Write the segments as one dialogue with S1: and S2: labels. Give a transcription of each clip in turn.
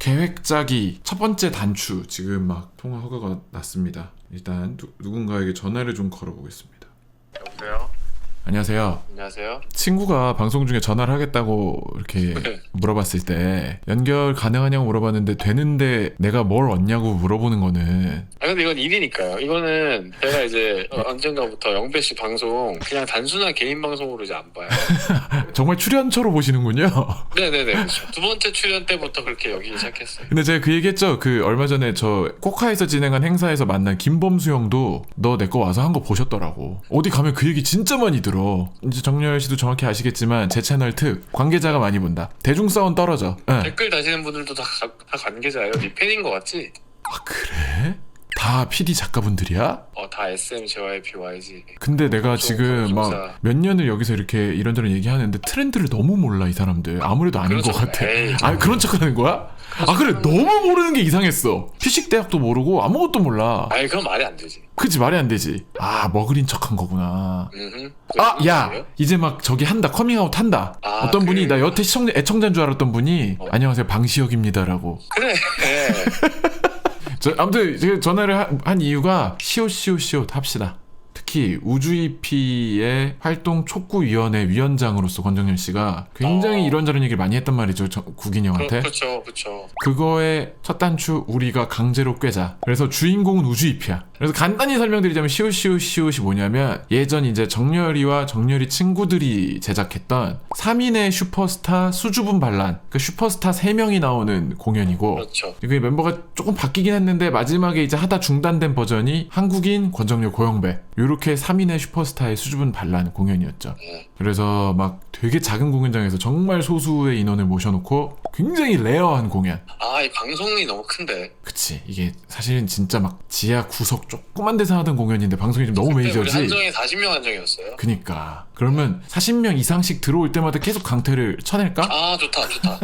S1: 계획 짜기 첫 번째 단추 지금 막 통화 허가가 났습니다. 일단 누군가에게 전화를 좀 걸어보겠습니다.
S2: 여보세요?
S1: 안녕하세요.
S2: 안녕하세요?
S1: 친구가 방송 중에 전화를 하겠다고 이렇게 물어봤을 때 연결 가능하냐고 물어봤는데 되는데 내가 뭘 얻냐고 물어보는 거는
S2: 아 근데 이건 일이니까요. 이거는 제가 이제 언젠가부터 영배씨 방송 그냥 단순한 개인 방송으로 이제 안 봐요.
S1: 정말 출연처로 보시는군요.
S2: 네네네. 그렇죠. 두 번째 출연 때부터 그렇게 여기 시작했어요.
S1: 근데 제가 그 얘기했죠. 그 얼마 전에 저 코카에서 진행한 행사에서 만난 김범수 형도 너 내 거 와서 한 거 보셨더라고. 어디 가면 그 얘기 진짜 많이 들어. 이제 정렬 씨도 정확히 아시겠지만 제 채널 특 관계자가 많이 본다. 대중성은 떨어져. 네.
S2: 댓글 다시는 분들도 다 관계자예요. 네 팬인 거 같지?
S1: 아 그래? 다 PD 작가분들이야?
S2: 다 SM, JYP, YG.
S1: 근데 내가 지금
S2: 방송사.
S1: 막 몇 년을 여기서 이렇게 이런저런 얘기하는데 트렌드를 너무 몰라 이 사람들. 아무래도 아닌 것 같아.
S2: 에이,
S1: 아 그런 척하는 거야? 아 그래 너무 모르는 게 이상했어. 피식 대학도 모르고 아무것도 몰라.
S2: 아니 그건 말이 안 되지.
S1: 그치 말이 안 되지. 아 머그린 척한 거구나. 아 야 이제 막 저기 한다 커밍아웃 한다. 어떤 분이 나 여태 애청자인 줄 알았던 분이 안녕하세요 방시혁입니다라고.
S2: 그래.
S1: 아무튼 제가 전화를 한 이유가 시옷 합시다. 특히 우주이피의 활동 촉구위원회 위원장으로서 권정열 씨가 굉장히 이런저런 얘기를 많이 했단 말이죠. 국인 형한테.
S2: 그렇죠.
S1: 그거의 첫 단추 우리가 강제로 꿰자. 그래서 주인공은 우주이피야. 그래서 간단히 설명드리자면 시옷이 뭐냐면 예전 이제 정열이와 정열이 친구들이 제작했던 3인의 슈퍼스타 수줍은 반란. 그 슈퍼스타 3명이 나오는 공연이고.
S2: 그렇죠.
S1: 이게 멤버가 조금 바뀌긴 했는데 마지막에 이제 하다 중단된 버전이 한국인, 권정열, 고영배 요렇게 3인의 슈퍼스타의 수줍은 반란 공연이었죠. 그래서 막 되게 작은 공연장에서 정말 소수의 인원을 모셔놓고 굉장히 레어한 공연.
S2: 이 방송이 너무 큰데.
S1: 그치 이게 사실은 진짜 막 지하 구석 조그만 데서 하던 공연인데 방송이 좀 너무 메이저지.
S2: 우리 한정이 40명 한정이었어요.
S1: 그니까 그러면 40명 이상씩 들어올 때마다 계속 강퇴를 쳐낼까?
S2: 좋다.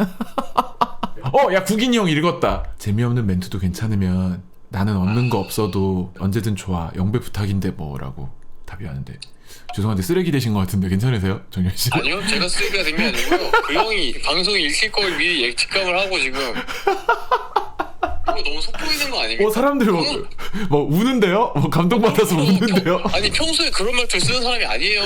S1: 야 국인이 형 읽었다. 재미없는 멘트도 괜찮으면 나는 얻는 거 없어도 언제든 좋아. 영배 부탁인데 뭐라고 답이 왔는데 죄송한데 쓰레기 되신 것 같은데 괜찮으세요? 정열씨?
S2: 아니요 제가 쓰레기가 된 게 아니고요. 그 형이 방송이 읽힐 걸 미리 예측감을 하고 지금 이거 너무 속보이는 거 아닙니까?
S1: 사람들이 뭐 우는데요? 감동받아서 우는데요?
S2: 아니 평소에 그런 말투를 쓰는 사람이 아니에요.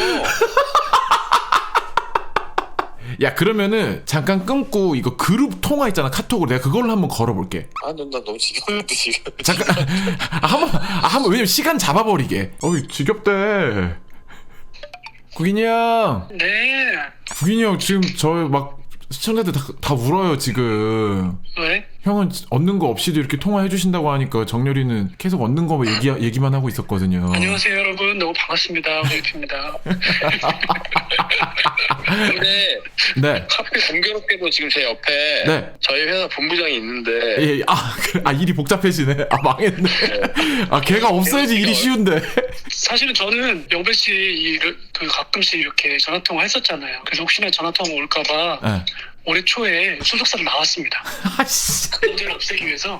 S1: 야 그러면은 잠깐 끊고 이거 그룹 통화 있잖아 카톡으로 내가 그걸로 한번 걸어볼게.
S2: 나 너무 지겨운데 지금.
S1: 잠깐 한번 왜냐면 시간 잡아버리게. 어이 지겹대. 국인이 형.
S3: 네.
S1: 국인이 형 지금 저 막 시청자들 다 울어요 지금.
S3: 왜?
S1: 형은 얻는 거 없이도 이렇게 통화해 주신다고 하니까 정렬이는 계속 얻는 거 얘기만 하고 있었거든요.
S3: 안녕하세요 여러분. 너무 반갑습니다. 우주이피입니다.
S2: 근데
S1: 네.
S2: 하필 공교롭게도 지금 제 옆에
S1: 네.
S2: 저희 회사 본부장이 있는데
S1: 일이 복잡해지네. 망했네. 걔가 없어야지 일이 쉬운데.
S3: 사실은 저는 영배 씨 그 가끔씩 이렇게 전화 통화 했었잖아요. 그래서 혹시나 전화 통화 올까봐
S1: 네.
S3: 올해 초에 소속사를 나왔습니다.
S1: 아씨.
S3: 그 문제를 없애기 위해서.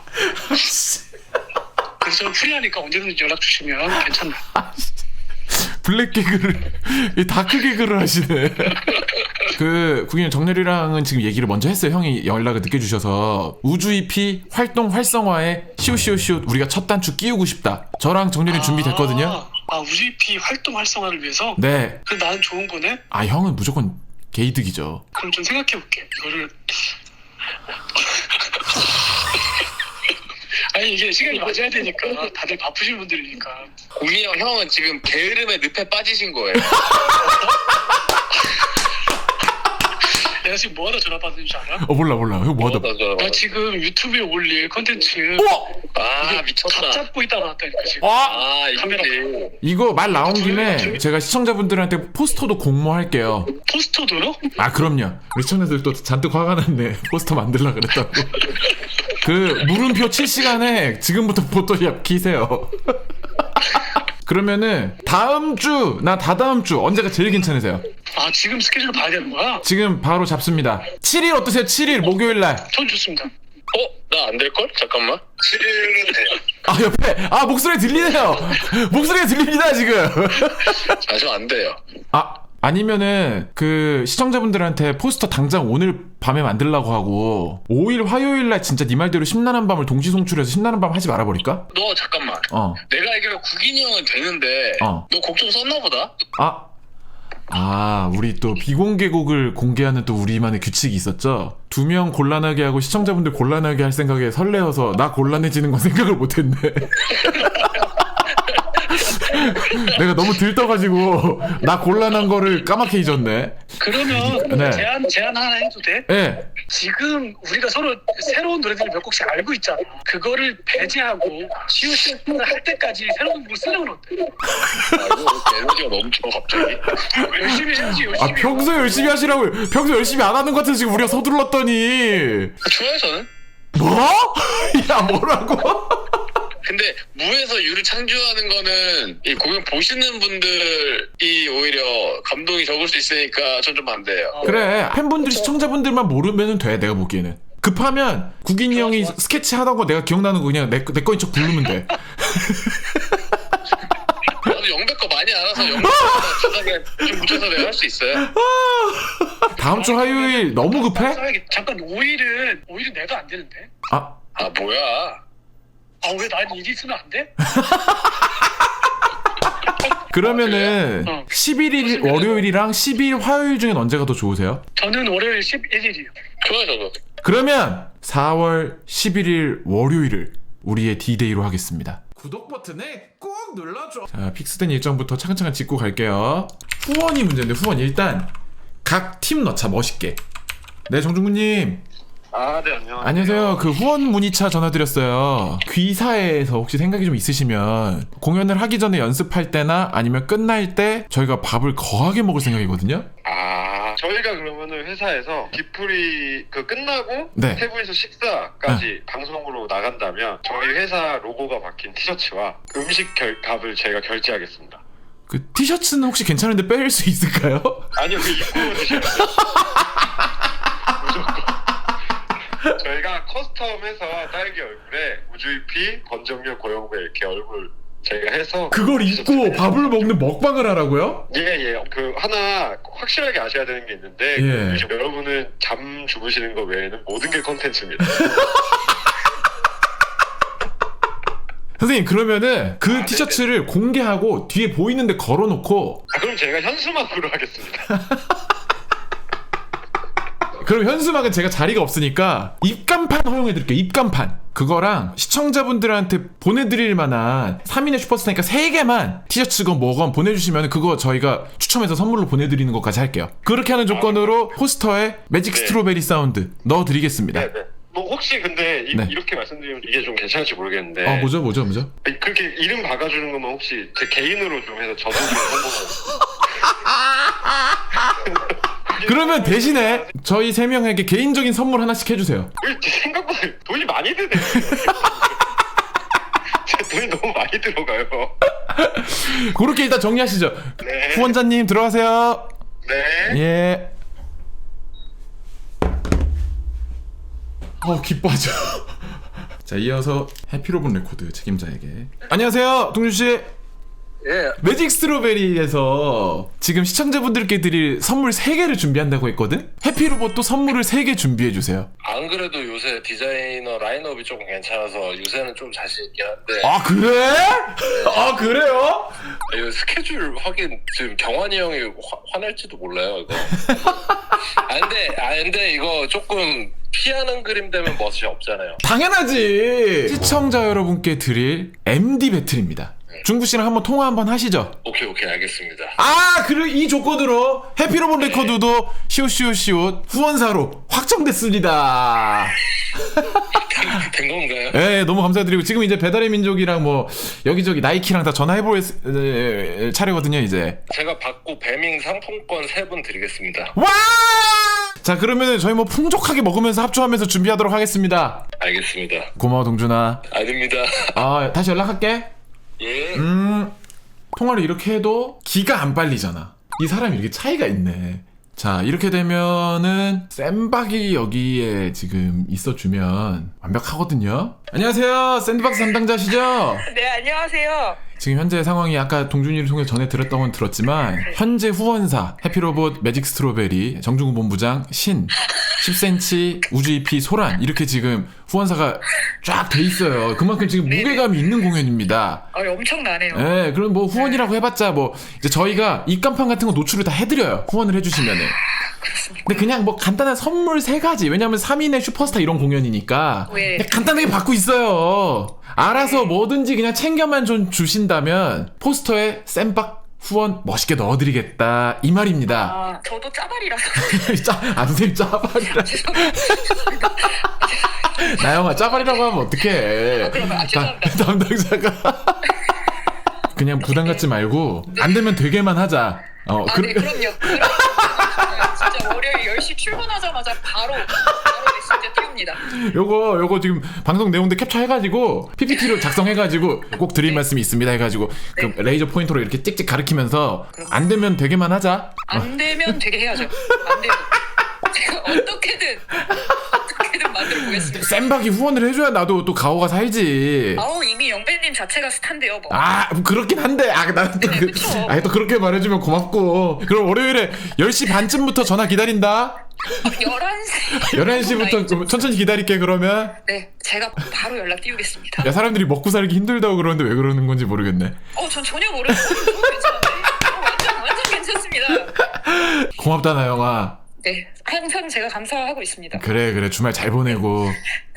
S3: 그래서 저는 프리하니까 언제든지 연락 주시면 괜찮아요.
S1: 블랙 개그를 다크 개그를 하시네. 그 국인 정렬이랑은 지금 얘기를 먼저 했어요. 형이 연락을 늦게 주셔서 우주 EP 활동 활성화에 시옷 우리가 첫 단추 끼우고 싶다. 저랑 정렬이 준비됐거든요.
S3: 우주이피 활동 활성화를 위해서?
S1: 네.
S3: 그럼 나는 좋은 거네?
S1: 형은 무조건 게이득이죠.
S3: 그럼 좀 생각해볼게. 이거를 아니 이게 시간이 맞아야 되니까 다들 바쁘신 분들이니까.
S2: 우리 형은 지금 게으름의 늪에 빠지신 거예요.
S3: 내가 지금 뭐하다 전화 받는 줄 알아?
S1: 몰라. 형 뭐하다.
S3: 나 지금 유튜브에 올릴 컨텐츠
S2: 미쳤다.
S3: 각 잡고 있다 나왔다니까 지금. 카메라
S1: 이거 말 나온 김에 제가 시청자분들한테 포스터도 공모할게요.
S3: 포스터도요?
S1: 그럼요. 우리 시청자들도 잔뜩 화가 났네. 포스터 만들려고 그랬다고. 그 물음표 7시간에 지금부터 포토샵 키세요. 그러면은 다음 주, 나 다다음 주 언제가 제일 괜찮으세요?
S3: 지금 스케줄 봐야 되는 거야?
S1: 지금 바로 잡습니다. 7일 어떠세요? 7일 목요일 날.
S3: 전 좋습니다.
S2: 나 안 될걸? 잠깐만. 7일은 돼요.
S1: 옆에 목소리 들리네요. 목소리가 들립니다 지금.
S2: 저 안 돼요.
S1: 아니면은 그 시청자분들한테 포스터 당장 오늘 밤에 만들라고 하고 5일 화요일날 진짜 네 말대로 심란한 밤을 동시 송출해서 심란한 밤 하지 말아버릴까?
S2: 너 잠깐만. 내가 알기로 국인이 형은 되는데 너 곡 좀 썼나 보다?
S1: 우리 또 비공개곡을 공개하는 또 우리만의 규칙이 있었죠. 2명 곤란하게 하고 시청자분들 곤란하게 할 생각에 설레어서 나 곤란해지는 건 생각을 못했네. 내가 너무 들떠가지고 나 곤란한 거를 까맣게 잊었네.
S3: 그러면
S1: 네.
S3: 제안 하나 해도 돼?
S1: 네.
S3: 지금 우리가 서로 새로운 노래들을 몇 곡씩 알고 있잖아. 그거를 배제하고 시우시우를 할 때까지 새로운 곡을 쓰는 건 어때?
S2: 이거 에너지가 넘쳐 갑자기.
S3: 열심히 해야지. 열심히.
S1: 평소에 열심히 하시라고. 평소에 열심히 안 하는 것 같아서 지금 우리가 서둘렀더니.
S2: 좋아요 저는.
S1: 뭐? 야 뭐라고?
S2: 근데 무에서 유를 창조하는 거는 이 공연 보시는 분들이 오히려 감동이 적을 수 있으니까 전 좀 반대예요.
S1: 그래 팬분들 시청자분들만 모르면 돼. 내가 보기에는 급하면 국인이 형이 스케치 하던 거 내가 기억나는 거 그냥 내 거인 척 부르면 돼.
S2: 나도 영백 거 많이 알아서 영백 거 주사게 좀 묻혀서 내가 할 수 있어요.
S1: 다음 주 화요일 너무 급해?
S3: 잠깐 5일은 내가 안 되는데?
S2: 아 뭐야?
S3: 왜 난 일이 있으면 안 돼?
S1: 그러면은 11일 월요일이랑 12일 화요일 중엔 언제가 더 좋으세요?
S3: 저는 월요일 11일이요.
S2: 좋아요 저도.
S1: 그러면 4월 11일 월요일을 우리의 D-Day로 하겠습니다. 구독 버튼에 꼭 눌러줘. 자, 픽스된 일정부터 차근차근 짚고 갈게요. 후원이 문제인데 후원 일단 각 팀 넣자 멋있게. 네 정중구님.
S2: 네 안녕하세요.
S1: 안녕하세요. 그 후원 문의차 전화드렸어요. 귀사에서 혹시 생각이 좀 있으시면 공연을 하기 전에 연습할 때나 아니면 끝날 때 저희가 밥을 거하게 먹을 생각이거든요.
S4: 저희가 그러면은 회사에서 디프리 끝나고
S1: 네.
S4: 세 분이서 식사까지 방송으로 나간다면 저희 회사 로고가 박힌 티셔츠와 음식 값을 제가 결제하겠습니다.
S1: 그 티셔츠는 혹시 괜찮은데 뺄 수 있을까요?
S4: 아니요, 그 입고 드셔야 돼요. 무조건. 저희가 커스텀해서 딸기 얼굴에 우주이피, 권정열, 고영배 이렇게 얼굴 저희가 해서
S1: 그걸 입고 밥을 먹는 먹방을 하라고요?
S4: 예. 그 하나 확실하게 아셔야 되는 게 있는데
S1: 예.
S4: 요즘 여러분은 잠 주무시는 거 외에는 모든 게 컨텐츠입니다.
S1: 선생님 그러면은 그 티셔츠를 공개하고 뒤에 보이는데 걸어놓고
S4: 그럼 제가 현수막으로 하겠습니다.
S1: 그럼 현수막은 제가 자리가 없으니까 입간판 허용해드릴게요. 입간판 그거랑 시청자분들한테 보내드릴 만한 3인의 슈퍼스타니까 3개만 티셔츠건 뭐건 보내주시면 그거 저희가 추첨해서 선물로 보내드리는 것까지 할게요. 그렇게 하는 조건으로 포스터에 매직 스트로베리 사운드 넣어드리겠습니다.
S4: 네. 뭐 혹시 근데
S1: 네.
S4: 이렇게 말씀드리면 이게 좀 괜찮을지 모르겠는데
S1: 뭐죠?
S4: 그렇게 이름 박아주는 거면 혹시 제 개인으로 좀 해서 저도 좀 성공하고
S1: 그러면 대신에 저희 3명에게 개인적인 선물 하나씩 해주세요.
S4: 생각보다 돈이 많이 드네요. 제 돈이 너무 많이 들어가요.
S1: 그렇게 일단 정리하시죠.
S4: 네.
S1: 후원자님 들어가세요.
S4: 네.
S1: 예. 기 빠져. 자, 이어서 해피로봇 레코드 책임자에게. 안녕하세요, 동준씨.
S2: 예.
S1: 매직 스트로베리에서 지금 시청자분들께 드릴 선물 3개를 준비한다고 했거든? 해피로봇도 선물을 3개 준비해주세요.
S2: 안 그래도 요새 디자이너 라인업이 조금 괜찮아서 요새는 좀 자신 있긴 한데.
S1: 그래? 그래요?
S2: 이거 스케줄 확인 지금 경환이 형이 화낼지도 몰라요 이거. 근데 이거 조금 피하는 그림 되면 멋이 없잖아요.
S1: 당연하지. 시청자 여러분께 드릴 MD 배틀입니다. 중구씨랑 한번 통화 한번 하시죠.
S2: 오케이 알겠습니다.
S1: 그리고 이 조건으로 해피로봇 레코드도 시옷 후원사로 확정됐습니다.
S2: 된 건가요?
S1: 네, 너무 감사드리고 지금 이제 배달의 민족이랑 뭐 여기저기 나이키랑 다 전화해볼 차례거든요 이제.
S2: 제가 받고 배밍 상품권 3분 드리겠습니다.
S1: 와! 자 그러면 저희 뭐 풍족하게 먹으면서 합주하면서 준비하도록 하겠습니다.
S2: 알겠습니다.
S1: 고마워 동준아.
S2: 아닙니다.
S1: 다시 연락할게.
S2: 예.
S1: 통화를 이렇게 해도 기가 안 빨리잖아. 이 사람이 이렇게 차이가 있네. 자 이렇게 되면은 샌박이 여기에 지금 있어주면 완벽하거든요. 안녕하세요, 샌드박스 담당자시죠?
S5: 네, 안녕하세요.
S1: 지금 현재 상황이 아까 동준이를 통해 전해 들었던 건 들었지만 현재 후원사 해피로봇 매직 스트로베리 정중훈 본부장 신 10cm 우주 EP 소란 이렇게 지금 후원사가 쫙 돼 있어요. 그만큼 지금 무게감이 있는 공연입니다.
S3: 엄청나네요.
S1: 네, 그럼 뭐 후원이라고 해봤자 뭐 이제 저희가 입간판 같은 거 노출을 다 해드려요. 후원을 해주시면은. 근데 그냥 뭐 간단한 선물 3가지. 왜냐면 3인의 슈퍼스타 이런 공연이니까
S3: 네.
S1: 그냥 간단하게 받고 있어요. 알아서 뭐든지 그냥 챙겨만 좀 주신다면 포스터에 쌤박 후원 멋있게 넣어드리겠다 이 말입니다.
S3: 저도 짜발이라서.
S1: 선생님 짜발이라. 나영아 짜발이라고 하면 어떡해.
S3: 죄송합니다.
S1: 담당자가 그냥 부담 갖지 말고 안 되면 되게만 하자.
S3: 네, 그럼요. 진짜 월요일 10시 출근하자마자 바로 메시지 띄웁니다.
S1: 요거 지금 방송 내용들 캡처해가지고 PPT로 작성해가지고 꼭 드릴 말씀이 있습니다 해가지고 그 레이저 포인터로 이렇게 찍찍 가리키면서 안 되면 되게만 하자.
S3: 안 되면 되게 해야죠. 안 돼도 제가 어떻게든 만들어 보겠습니다.
S1: 쌤박이 후원을 해줘야 나도 또 가오가 살지.
S3: 이미 영배님 자체가 스타인데요, 뭐.
S1: 그렇긴 한데 나는 또,
S3: 그쵸.
S1: 또 그렇게 말해주면 고맙고. 그럼 월요일에 10시 반쯤부터 전화 기다린다. 11시부터 좀 천천히 기다릴게 그러면.
S3: 네, 제가 바로 연락 띄우겠습니다.
S1: 야 사람들이 먹고 살기 힘들다고 그러는데 왜 그러는 건지 모르겠네.
S3: 전 전혀 모르겠어요. 너무 괜찮은데? 완전 괜찮습니다.
S1: 고맙다 나영아.
S3: 네, 항상 제가 감사하고 있습니다.
S1: 그래 주말 잘 보내고.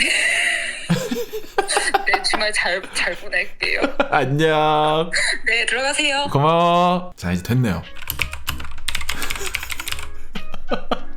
S3: 네, 주말 잘 보낼게요.
S1: 안녕.
S3: 네, 들어가세요.
S1: 고마워. 자 이제 됐네요.